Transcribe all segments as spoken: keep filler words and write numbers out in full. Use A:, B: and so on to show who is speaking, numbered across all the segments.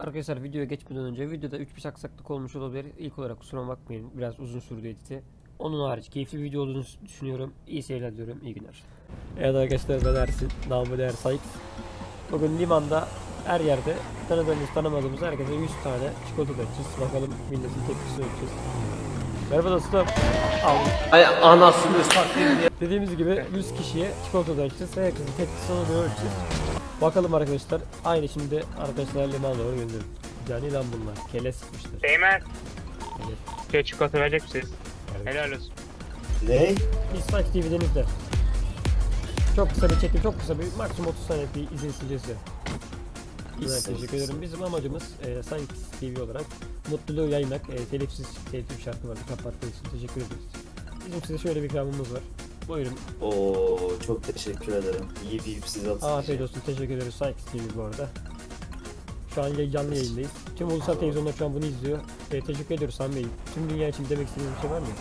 A: Arkadaşlar videoya geçmeden önce videoda üç beş aksaklık olmuş olabilir. İlk olarak kusura bakmayın. Biraz uzun sürdü editi. Onun hariç keyifli bir video olduğunu düşünüyorum. İyi seyirler diyorum. İyi günler. Evet arkadaşlar ben Ersin. Namı değer Sykes. Bugün limanda her yerde tanıdığımız tanımadığımız herkese yüz tane çikolata dağıtacağız. Bakalım milletin tepkisini ölçeceğiz. Merhaba dostum. Al.
B: Ay anasını satayım diye.
A: Dediğimiz gibi yüz kişiye çikolata dağıtacağız. Herkesin tepkisini ona göre ölçeceğiz. Bakalım arkadaşlar. Aynı şimdi arkadaşlar limana doğru gönderiyorum. Yani lan bunlar. Kele sıkmışlar.
C: Değmez.
A: Evet.
C: Şey çikolata verecek misiniz?
A: Evet.
C: Helal olsun.
B: Ne?
A: Biz Sykes T V'den izle. Çok kısa bir çekim, çok kısa bir maksimum otuz saniye bir izin sileceğiz ya. Evet, teşekkür ederim. Bizim amacımız e, Sykes T V olarak mutluluğu yaymak. E, telifsiz telif bir şarkı vardı. Kapattığınız için teşekkür ederiz. Bizim size şöyle bir ikramımız var. Buyurun.
B: Oo çok teşekkür ederim. İyi bir size atın.
A: Afiyet olsun. Teşekkür ederiz Sykes T V bu arada. Şu an canlı yayındayız. Tüm ulusal televizyonlar şu an bunu izliyor. E, teşekkür ediyoruz Sami Bey. Tüm dünya için demek istediğiniz bir şey var mı?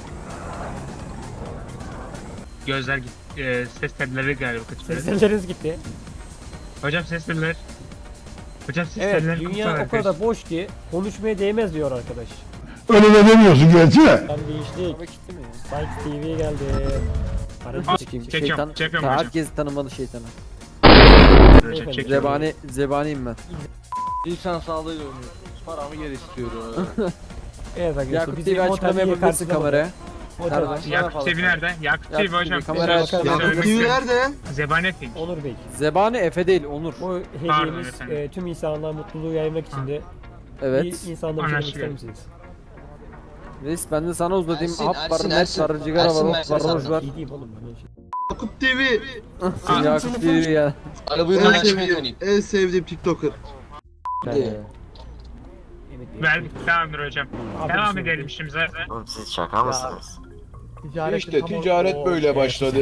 C: Gözler gitti. E, ses telleri galiba kaçırdı.
A: Sesleriniz gitti.
C: Hocam ses telleri. Hocam ses
A: Evet,
C: telleri
A: dünya o kadar boş ki konuşmaya değmez diyor arkadaş.
D: Öyle de demiyorsun gerçi de.
A: Ben değiştik. Sykes T V geldi. Hareket çekeyim.
C: Çekiyorum,
E: Şeytan,
C: çekiyorum hocam.
E: herkes tanımalı şeytanı.
C: Hocam, çekiyorum.
E: Zebani, zebaniyim ben.
F: İnsan sağlığıyla oynuyoruz. Paramı geri istiyorum.
A: Evet arkadaşlar
E: Yakup T
A: bizi
E: V açıklama
A: Motel
E: yapabilirsin kameraya.
A: Motel
C: Yakup T V nerede? Yakup T V
E: Yakup
C: hocam.
E: T V kamera aç.
F: Yakup T V nerede?
C: Zebani Fink.
A: Onur Bey.
E: Zebani Efe değil, Onur.
A: Bu
C: Pardon
A: hediyemiz
C: efendim.
A: e, tüm insanlığa mutluluğu yaymak için de
E: Evet.
A: bir insanlara söylemek ister
C: Anlaşılıyor.
A: misiniz?
E: Reis ben de sana uzatayım.
F: Ersin,
E: Hap var,
F: Ersin,
E: net
F: Ersin.
E: var, cigara
F: Ersin,
E: var,
F: Ersin,
E: hop var, roj
F: Ersin.
E: var.
A: İyi değil oğlum. Ben şey.
F: Yakup T V.
E: Sen Yakup T V ya.
F: Arabayı
G: En
F: ben
G: sevdiğim,
F: döneyim.
G: en sevdiğim TikToker.
A: Ben,
E: Ee,
A: evet,
C: Verdik, tamamdır hocam.
A: Abi,
C: Devam
A: bir şey
C: edelim işimize.
H: Oğlum siz şaka mısınız?
D: İşte ticaret böyle başladı.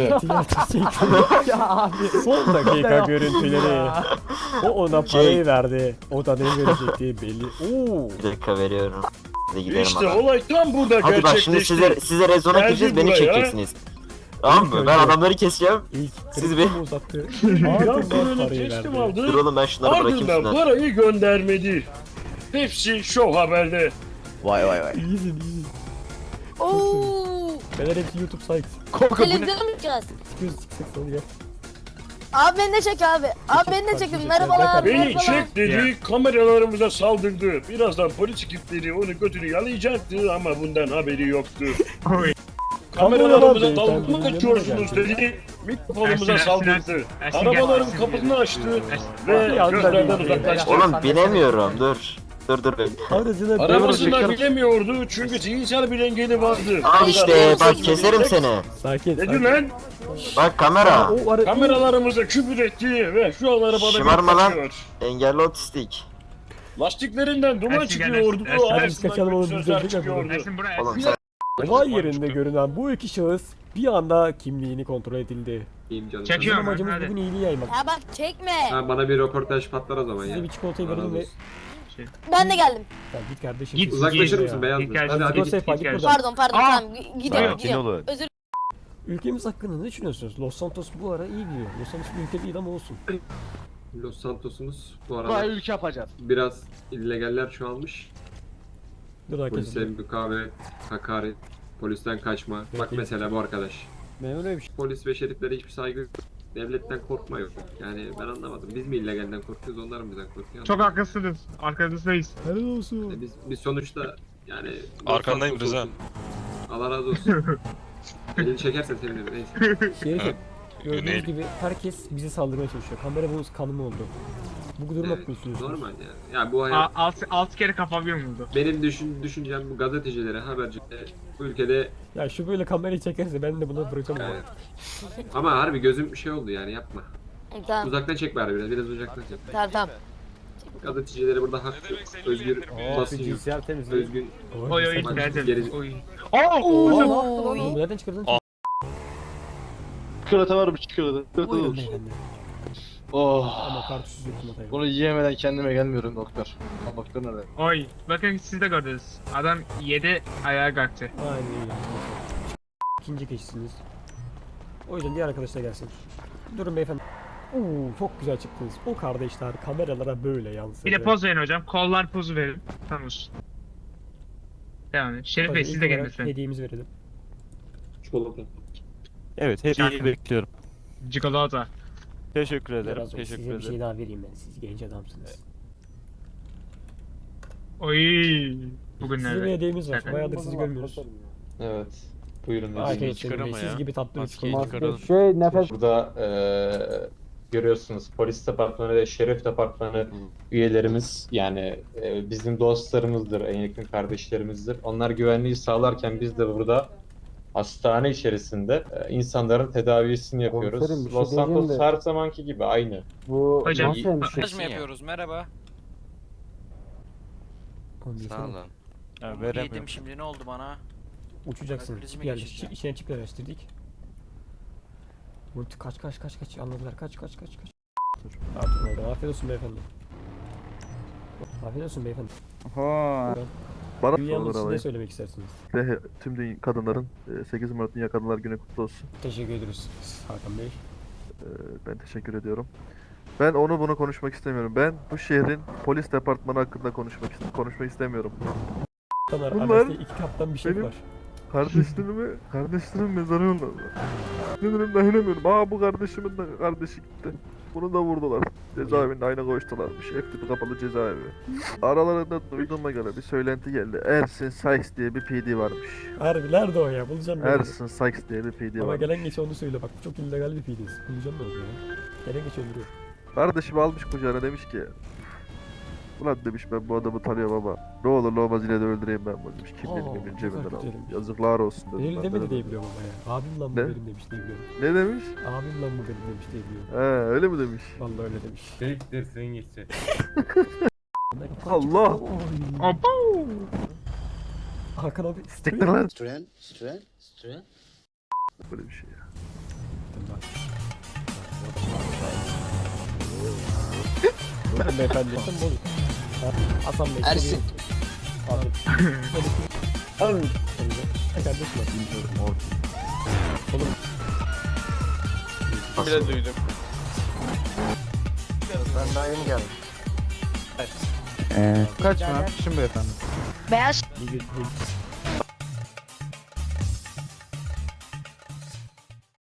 A: Ya abi son dakika görüntüleri. O ona parayı verdi. O da ne verecekti belli. Oo.
H: Bir dakika veriyorum. Hadi gidelim
D: İşte
H: adam.
D: olay tam burada
H: Hadi bak şimdi
D: gerçekleşti.
H: size, size rezona
D: Geldi
H: gireceğiz beni
D: buraya.
H: çekeceksiniz. Tamam mı? Ben adamları keseceğim.
A: İlk
H: Siz
A: kredi
H: bir-
A: uzattı.
D: Ya
A: Ardından
D: paranı
A: parayı
D: teslim
A: verdi.
H: Dur
D: aldı.
H: oğlum ben şunları bırakayım
D: Ardından
H: şunları.
D: parayı göndermedi. Hepsi Show Haber'de.
E: Vay vay vay.
A: İyisin iyisin.
I: Oo,
A: Beyler hepsi YouTube Sykes.
I: televizyona mı çıkacağız?
A: Çıkıyoruz çıksak sonra gel.
I: Abi beni de çek abi. Abi beni de çekin. Merhabalar.
D: Beni
I: merhabalar.
D: çek dedi, kameralarımıza saldırdı. Birazdan polis ekipleri onu götünü yalayacaktı ama bundan haberi yoktu.
C: Oy.
D: Kameralarımıza
A: Kameralar
D: dalga mı
A: beyefendi,
D: geçiyorsunuz
A: yanına
D: dedi. Mikrofonumuza
C: Ersin,
D: saldırdı.
C: Ersin, Ersin,
D: Arabaların
C: Ersin,
D: kapısını açtı
C: Ersin.
D: ve
A: Ya,
D: gözlerden
A: ben-
D: uzaklaştı.
H: Oğlum binemiyorum dur. Dur dur.
A: Aracına
D: Arabasında bilemiyordu çünkü zihinsel bir engeli vardı.
H: Al işte bak keserim seni.
A: Sakin.
D: Ne
A: sakin.
D: diyor lan?
H: Bak kamera.
A: O ara...
D: Kameralarımıza küfür etti ve şu an arabada
H: Şımarma
D: bir
H: lan.
D: kaçıyor.
H: Engelli otistik.
D: Lastiklerinden duman
C: Ersin gel,
D: çıkıyordu.
C: Ersin, Ersin.
D: Ağzından
A: Kaçalım oğlum,
D: kötü
A: biz
D: sözler
A: de
D: çıkıyordu.
C: Ersin buraya.
H: Oğlum
C: Ersin.
H: sen
A: Olay yerinde görünen bu iki şahıs bir anda kimliğini kontrol edildi. Bizim
C: Çekiyorum.
A: amacımız
C: Hadi.
A: bugün iyiliği yaymak.
I: Ya bak çekme.
J: Ha, bana bir röportaj patlar o zaman ya.
A: Size bir çikolatayı verelim ve...
I: Ben de geldim.
A: Ya git kardeşim.
C: Git,
J: Uzaklaşır
C: Git
J: mısın
C: ya.
J: beyaz
C: Git
J: mı?
C: kardeşim,
J: Hadi hadi
A: Git,
J: git.
A: Sefa, git
C: git
A: buradan.
I: Pardon pardon
C: Aa!
I: tamam. G- Gidiyorum gidiyorum. Özür
A: Ülkemiz hakkında ne düşünüyorsunuz? Los Santos bu ara iyi gidiyor. Los Santos bir ülke değil ama olsun.
J: Los Santos'umuz bu
F: Buraya
J: arada
F: ülke yapacağız.
J: biraz illegaller çoğalmış.
A: Dur arkadaşlar.
J: Polise mukavemet, hakaret, polisten kaçma. Bak mesela bu arkadaş.
A: Ben öyle bir şey.
J: Polis ve şeriflere hiçbir saygı yok. Devletten korkma yok. Yani ben anlamadım. Biz mi illegalden korkuyoruz, onlar mı bizden korkuyor?
C: Çok haklısınız. Arkanızdayız.
A: Helal olsun.
J: Yani biz, biz sonuçta yani...
K: Arkandayım
J: Los Santos
K: Rıza.
J: olsun. Allah razı olsun. Elini çekersen sevinirim. Neyse.
A: Şerifim. Gördüğünüz
K: Yönelim.
A: gibi herkes bize saldırmaya çalışıyor. Kamera bunun kanımı oldu. Bu durum
J: Evet,
A: hakkında düşünüyorsunuz.
J: normal yani. Ya bu hayat...
C: A- Altı, altı kere kafam yumuldu.
J: Benim düşün, düşüncem bu gazetecilere, habercilere bu ülkede
A: Ya şu böyle kamerayı çekerse ben de buna bırakacağım.
J: yani. Ama harbi gözüm şey oldu yani yapma.
I: Tamam
J: Uzaktan çek bari biraz, biraz uzaktan çek.
I: tamam tamam.
J: Gazetecilere burada hak, özgür basın yok. Özgün.
C: Oy oy
J: Bak,
C: geldim.
J: geri-
C: Oy. Aa!
I: Oo.
A: Oğlum nereden çıkardın?
K: Aa.
F: Çikolata var mı çikolata? Çikolata
A: Buyurun
F: olur.
A: beyefendi.
F: Oh.
A: Ama kartuşsuz yok çikolatayı.
F: Bunu yiyemeden kendime gelmiyorum doktor. Ha, doktor nerede?
C: Oy. Bakın siz de gördünüz. Adam yedi ayağa kalktı.
A: Aynen öyle. İkinci kişisiniz. O yüzden diğer arkadaşlar gelsin. Durun beyefendi. Uuu çok güzel çıktınız. O kardeşler kameralara böyle yansıdı.
C: Bir de poz verin hocam. Kollar pozu verin. Tamam. Devam edin. Şerif Bey
A: Hadi
C: siz
A: ilk
C: de
A: olarak
C: gelin lütfen.
A: hediyemizi verelim.
J: Çikolata.
G: Evet, hediyeyi bekliyorum.
C: Çikolata.
G: Teşekkür ederim.
A: Biraz sonra
G: Teşekkür
A: size bir
G: ederim.
A: şey daha vereyim ben. Siz genç adamsınız.
C: Oy.
A: Size bir
C: Bugünlerde.
A: hediyemiz var.
C: Zaten.
A: Bayağıdır sizi görmüyoruz.
J: Evet. Buyurun.
A: Afiyet
G: çıkar
A: olsun.
G: ama
A: Siz
G: ya.
A: gibi tatlı bir
G: Maskeyi
A: çikolata.
G: çıkaralım.
E: Şey nefes.
K: Burada eee, görüyorsunuz polis departmanı ve şerif departmanı üyelerimiz yani eee, bizim dostlarımızdır, en yakın kardeşlerimizdir. Onlar güvenliği sağlarken biz de burada hastane içerisinde eee, insanların tedavisini yapıyoruz.
E: Komiserim, bir şey
K: Los Santos
E: diyeceğim de-
K: her zamanki gibi aynı.
E: Bu
C: Hocam,
E: nasıl hemşire?
C: Mesaj mı
F: yapıyoruz? Merhaba.
A: Sağ olun.
G: Ha, veremiyorum.
F: Şimdi ne oldu bana?
A: Uçacaksın.
F: Kalp krizi mi
A: Yerleş.
F: geçireceğim?
A: İçine çip yerleştirdik. Multi kaç kaç kaç kaç anladılar. Kaç kaç kaç kaç. Artık orada. Afiyet olsun beyefendi. Afiyet olsun beyefendi.
L: Ha.
A: Bana Yalnız siz ne söylemek istersiniz?
L: Ve tüm dünya kadınların e, sekiz Mart Dünya Kadınlar Günü kutlu olsun.
A: Teşekkür ederiz Hakan Bey.
L: E, Ben teşekkür ediyorum. Ben onu bunu konuşmak istemiyorum. Ben bu şehrin polis departmanı hakkında konuşmak ist- konuşmak istemiyorum.
A: Bunlar
L: Bunlar
A: arasında iki kaptan bir şey
L: benim-
A: var.
L: Kardeşlerimi, kardeşlerimin mezarı yolladılar. Sinirim dayanamıyorum. Aa bu kardeşimin de kardeşi gitti. Bunu da vurdular. Cezaevinde aynı koştularmış. Hep tipi kapalı cezaevi. Aralarında duyduğuma göre bir söylenti geldi. Ersin Sykes diye bir P D varmış.
A: Harbi nerede o ya? Bulacağım ben onu.
L: Ersin Sykes diye bir P D
A: Ama
L: varmış.
A: gelen geçe onu söyle bak. Bu çok illegal bir fiiliz. Bulacağım ben onu ya. Gelen geçe öldürüyor.
L: Kardeşimi almış kucağına demiş ki ulan demiş ben bu adamı tanıyorum ama ne olur ne olmaz yine de öldüreyim ben bunu demiş.
A: Aa,
L: Kimliğini
A: ne
L: benim cebimden
A: kadar
L: aldım.
A: güzelmiş.
L: Yazıklar olsun dedim.
A: Benim
L: ben
A: demedi
L: de.
A: diye biliyorum ama ya. Abim lan bu
L: Ne?
A: benim demiş diye biliyorum.
L: Ne demiş?
A: Abim lan bu benim demiş diye biliyorum.
L: He öyle mi demiş?
A: Vallahi öyle demiş.
G: Siktirsin gitsin.
L: Allah!
A: Oy.
C: Opo.
A: Hakan abi.
L: Siktir lan!
B: Stren, stren, stren.
L: Böyle bir şey ya.
A: Buyurun beyefendi. Sen bozuk. Ha, Hasan Bey.
B: Ersin.
A: Abi. Abi. Ne kardeşim var? Oğlum.
H: Nasıl?
F: duydum.
H: Ben daha yeni geldim.
L: Kaçma. Şimdi efendim.
I: Beyaz
A: Bir gün.